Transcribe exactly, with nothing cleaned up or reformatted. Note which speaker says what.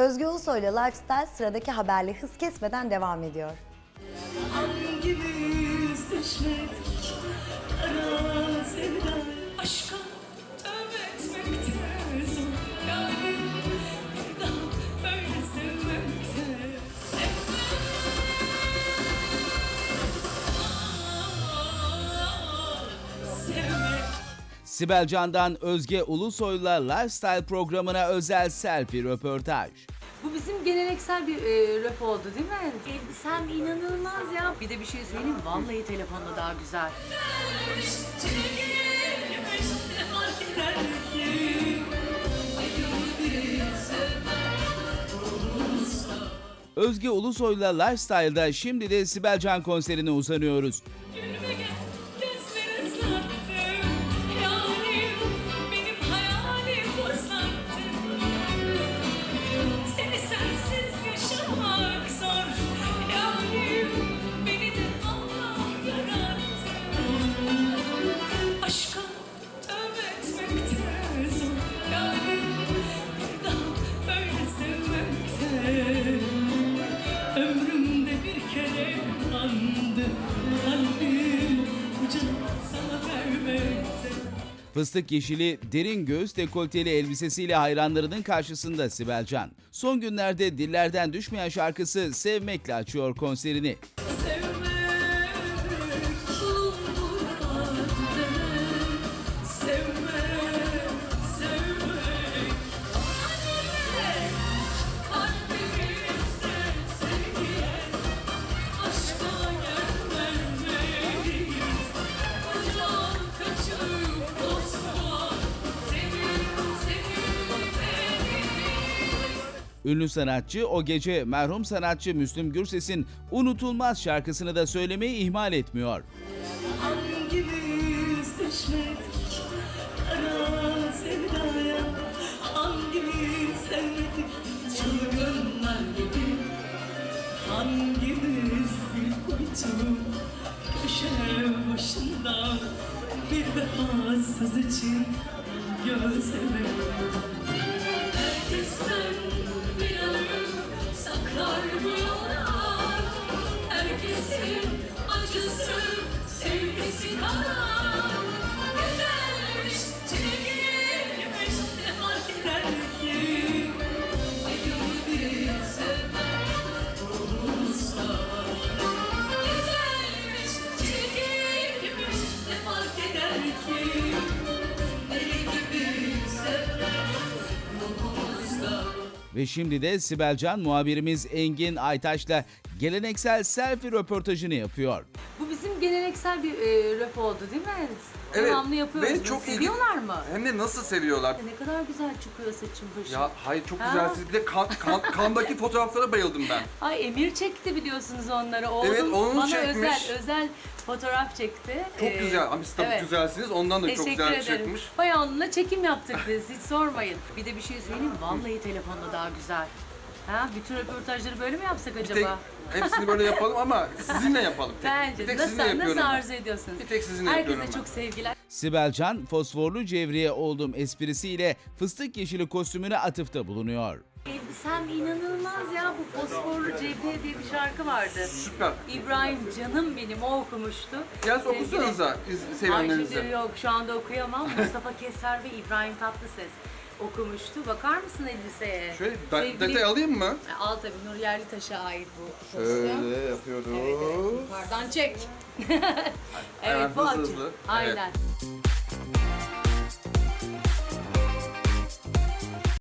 Speaker 1: Özge Ulusoy'la Lifestyle sıradaki haberle hız kesmeden devam ediyor.
Speaker 2: Hangimiz düşmedik kara sevda aşka tövbe etmekte zor yani bir daha böyle sevmekte sevmek.
Speaker 3: Sibel Can'dan Özge Ulusoy'la Lifestyle programına özel selfie röportaj.
Speaker 4: Bu bizim geleneksel bir e, rap oldu değil mi? Elbisem inanılmaz ya. Bir de bir şey söyleyeyim mi? Vallahi telefonda daha güzel.
Speaker 3: Özge Ulusoy'la Lifestyle'da şimdi de Sibel Can konserine uzanıyoruz.
Speaker 2: Aşka tövbe etmekte zor yani bir daha böyle sevmekte. Ömrümde bir kere andı kalbim ucunu sana vermekte.
Speaker 3: Fıstık yeşili derin göğüs dekolteli elbisesiyle hayranlarının karşısında Sibel Can. Son günlerde dillerden düşmeyen şarkısı Sevmek'le açıyor konserini. Ünlü sanatçı o gece merhum sanatçı Müslüm Gürses'in unutulmaz şarkısını da söylemeyi ihmal etmiyor.
Speaker 2: Hangimiz düşmedik kara sevdaya, hangimiz sevmedik çılgınlar gibi, hangimiz bir kuytu köşe başında bir vefasız için gözleme. Herkesten bir anı saklar bu yollar, herkesin acısı sevgisi kadar. Güzelmiş, çirkinmiş, ne fark eder ki? Ayrı sevmek olursa. Güzelmiş, çirkinmiş, ne fark eder ki? Deli gibi sevmek olursa.
Speaker 3: Ve şimdi de Sibel Can muhabirimiz Engin Aytaş'la geleneksel selfie röportajını yapıyor.
Speaker 4: Bu bizim geleneksel bir e, rap oldu değil mi?
Speaker 5: Evet,
Speaker 4: Devamlı yapıyoruz.
Speaker 5: ve
Speaker 4: bunu.
Speaker 5: çok
Speaker 4: Seviyorlar
Speaker 5: ilgi-
Speaker 4: mı?
Speaker 5: Hem de nasıl seviyorlar.
Speaker 4: Ne kadar güzel çıkıyor saçın başın.
Speaker 5: Ya hayır çok
Speaker 4: Ha?
Speaker 5: güzelsiniz. Bir de kan, kan, kandaki fotoğraflara bayıldım ben.
Speaker 4: Ay Emir çekti biliyorsunuz onları. Oğlum
Speaker 5: Evet, onun
Speaker 4: bana
Speaker 5: çekmiş.
Speaker 4: özel özel fotoğraf çekti.
Speaker 5: Çok
Speaker 4: Ee,
Speaker 5: güzel. Ama siz tabii
Speaker 4: evet.
Speaker 5: güzelsiniz. Ondan da çok
Speaker 4: Teşekkür
Speaker 5: güzel
Speaker 4: ederim.
Speaker 5: çıkmış.
Speaker 4: Bayağı onunla çekim yaptık biz. Hiç sormayın. Bir de bir şey söyleyeyim mi? Vallahi telefonda daha güzel. Ha, bütün röportajları böyle mi yapsak
Speaker 5: Bir tek
Speaker 4: acaba?
Speaker 5: hepsini böyle yapalım ama sizinle yapalım. Tek,
Speaker 4: Bence
Speaker 5: bir tek
Speaker 4: nasıl,
Speaker 5: sizinle yapıyorum.
Speaker 4: nasıl
Speaker 5: ben.
Speaker 4: arzu ediyorsunuz?
Speaker 5: Bir tek sizinle
Speaker 4: Herkese
Speaker 5: yapıyorum ben.
Speaker 4: çok sevgiler.
Speaker 3: Sibel Can fosforlu cevriye oldum esprisiyle fıstık yeşili kostümüne atıfta bulunuyor.
Speaker 4: Elbisem inanılmaz ya. Bu Fosforlu Cevriye diye bir şarkı vardı.
Speaker 5: Süper.
Speaker 4: İbrahim canım benim o okumuştu.
Speaker 5: Yalnız
Speaker 4: Sevgili-
Speaker 5: okusanıza iz-
Speaker 4: Ay
Speaker 5: sevenlerinize.
Speaker 4: şimdi yok şu anda okuyamam. Mustafa Keser ve İbrahim Tatlıses okumuştu. Bakar mısın elbiseye?
Speaker 5: Şöyle da-
Speaker 4: Sevgili-
Speaker 5: detay alayım mı?
Speaker 4: Al tabii Nur Yerlitaş'a ait bu kostüm.
Speaker 5: Şöyle yapıyoruz.
Speaker 4: Evet, evet. Yukarıdan çek.
Speaker 5: Hemen
Speaker 4: evet bu
Speaker 5: hızlı
Speaker 4: açı.
Speaker 5: hızlı.
Speaker 4: Aynen.
Speaker 5: Evet.